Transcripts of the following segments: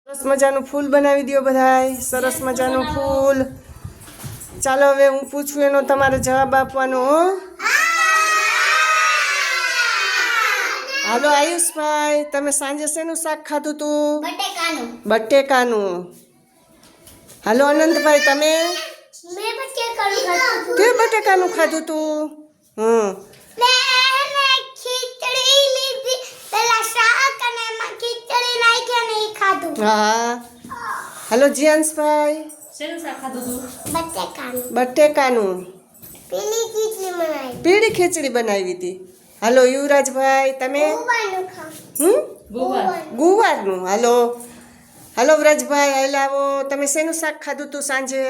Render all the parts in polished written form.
સરસ મજાનું ફૂલ બનાવી દો બધાય. સરસ મજાનું ફૂલ. ચાલો હવે હું પૂછું એનો તમારે જવાબ આપવાનો. હાલો આયુષભાઈ, તમે સાંજે શેનું શાક ખાધું તું? બટેકાનું. હાલો અનંતભાઈ, તમે કે બટેકાનું ખાધું તું? હા. હાલો જીયાંશભાઈ, બટેકાનું. પીળી ખીચડી બનાવી હતી. હાલો યુવરાજભાઈ, તમે? ગુવારનું. હાલો હાલો વ્રજભાઈ, હાલ આવો. તમે શેનું શાક ખાધું તું સાંજે?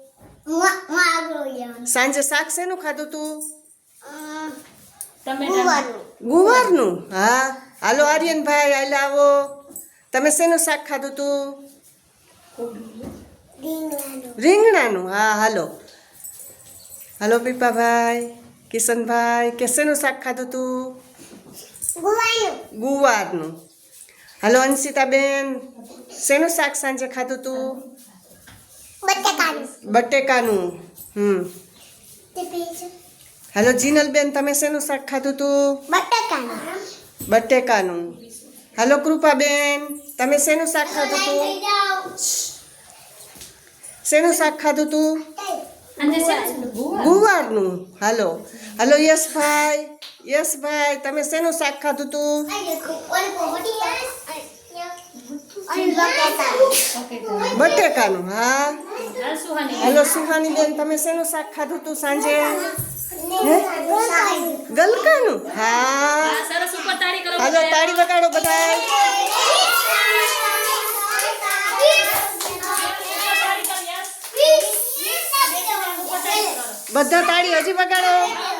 સાંજે શાક શેનું ખાધું તું? ગુવારનું. હા. હાલો આર્યનભાઈ, હાલ આવો. તમે શેનું શાક ખાધું તું? રીંગણાનું. હા. હાલો હાલો પીપાભાઈ, કિશનભાઈ, કે શેનું શાક ખાધું તું? ગુવારનું. હાલો અંશિતાબેન, શેનું શાક સાંજે ખાધું તું? બટેકાનું. હાલો જીનલબેન, તમે શેનું શાક ખાધું તું? બટેકાનું. હાલો કૃપાબેન, તમે શેનું શાક ખાધું તું? શેનું શાક ખાધું તું? ગુવારનું. હાલો હાલો યશભાઈ, તમે શેનું શાક ખાધું તું? બટેકાનું. હા. હાલો સુહાનીબેન, તમે શેનું શાક ખાધું તું સાંજે? ગલકાનું. હા. હાલો તાળી વગાડો બધા. બધા તાળી હજી વગાડો.